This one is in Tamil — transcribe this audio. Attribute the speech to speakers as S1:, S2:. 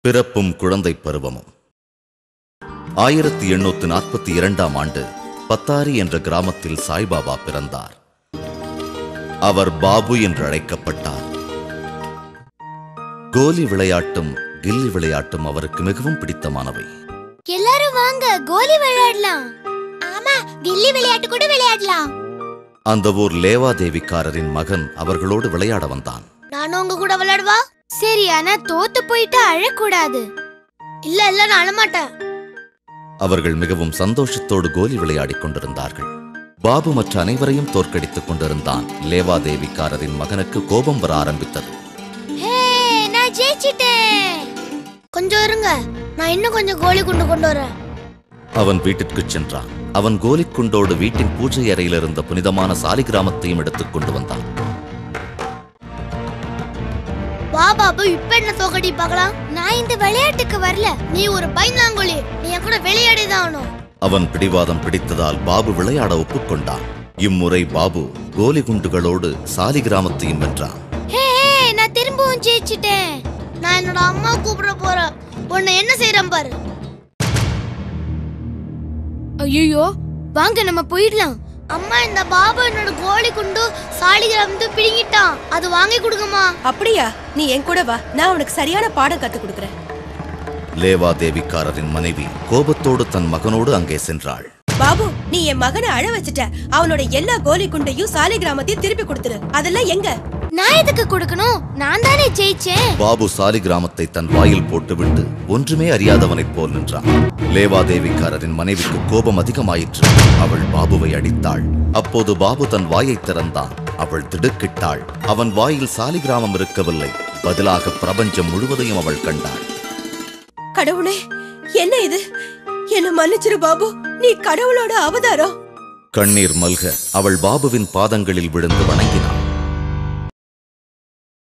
S1: பிறப்பும் குழந்தை பருவமும் 1842ஆம் ஆண்டு பத்தாரி என்ற கிராமத்தில் சாய்பாபா பிறந்தார். அவர் பாபு என்று அழைக்கப்பட்டார். கோலி விளையாட்டும் கில்லி விளையாட்டும் அவருக்கு மிகவும் பிடித்தமானவை.
S2: எல்லாரும் வாங்க கோலி விளையாடலாம். ஆமா, கில்லி விளையாட்டு கூட விளையாடலாம்.
S1: அந்த ஊர் லேவாதேவிக்காரரின் மகன் அவர்களோடு விளையாட வந்தான்.
S2: நானும் உங்க கூட விளையாடுவா? சரி, ஆனா தோத்து போயிட்டு அழக்கூடாது. இல்ல இல்ல, நான் அழமாட்டேன்.
S1: அவர்கள் மிகவும் சந்தோஷத்தோடு கோலி விளையாடிக் கொண்டிருந்தார்கள். பாபு மற்ற அனைவரையும் தோற்கடித்துக் கொண்டிருந்தான். லேவாதேவிக்காரரின் மகனுக்கு கோபம் வர ஆரம்பித்தது.
S2: நான் ஜெயிச்சிட்டேன். கொஞ்சம் இருங்க, நான் இன்னும் கொஞ்சம் கோலி குண்டு கொண்டு வரேன்.
S1: அவன் வீட்டிற்கு சென்றான். அவன் கோலிக்குண்டோடு வீட்டின் பூஜை அறையில் இருந்த புனிதமான சாலிகிராமத்தையும் எடுத்துக் கொண்டு வந்தான்.
S2: பாபு, இப்ப என்ன தோக்கடி பார்க்கலாம்? நான் இந்த விளையாட்டுக்கு வரல. நீ ஒரு பைனாங்கோலி, நீ என் கூட விளையாடிதான் ஆகணும்.
S1: அவன் பிடிவாதம் பிடித்ததால் பாபு விளையாட ஒப்புக்கொண்டான். இம்முறை பாபு கோலி குண்டுகளோடு சாலிகிராமத்தையும் வென்றான்.
S2: நான் திரும்பவும் ஜெயிச்சிட்டேன். நான் என்னோட அம்மா கூப்பிட போறேன். உன்னை என்ன செய்யறேன் பாரு. ஐயோ, வாங்க நம்ம போயிடலாம். அம்மா, இந்த பாபு என்னோட கோலி குண்டு சாலிகிராமத்தை பிடிங்கிட்டான். அது வாங்கி கொடுங்கம்மா.
S3: அப்படியா? நீ என் கூட வா, நான் உனக்கு சரியான பாடம் கத்து கொடுக்கறேன்.
S1: லேவாதேவிக்காரரின் மனைவி கோபத்தோடு தன் மகனோடு அங்கே சென்றாள்.
S3: பாபு, நீ என் மகனை அழ வச்சுட்ட. அவனோட எல்லா கோலி குண்டையும் சாலிகிராமத்தையும் திருப்பி கொடுத்துரு. அதெல்லாம் எங்க?
S2: நான் எதுக்கு கொடுக்கணும்? நான் தானே ஜெயிச்சேன்.
S1: பாபு சாலிகிராமத்தை தன் வாயில் போட்டுவிட்டு ஒன்றுமே அறியாதவனைப் போல் நின்றான். லேவாதேவிக்காரரின் மனைவிக்கு கோபம் அதிகமாயிற்று. அவள் பாபுவை அடித்தாள். அப்போது பாபு தன் வாயை திறந்தான். அவள் திடுக்கிட்டாள். அவன் வாயில் சாலிகிராமம் இருக்கவில்லை, பதிலாக பிரபஞ்சம் முழுவதையும் அவள் கண்டாள்.
S3: கடவுளே, என்ன இது? என்ன மன்னிச்சிரு பாபு, நீ கடவுளோட அவதாரம்.
S1: கண்ணீர் மல்க அவள் பாபுவின் பாதங்களில் விழுந்து வணங்கினாள்.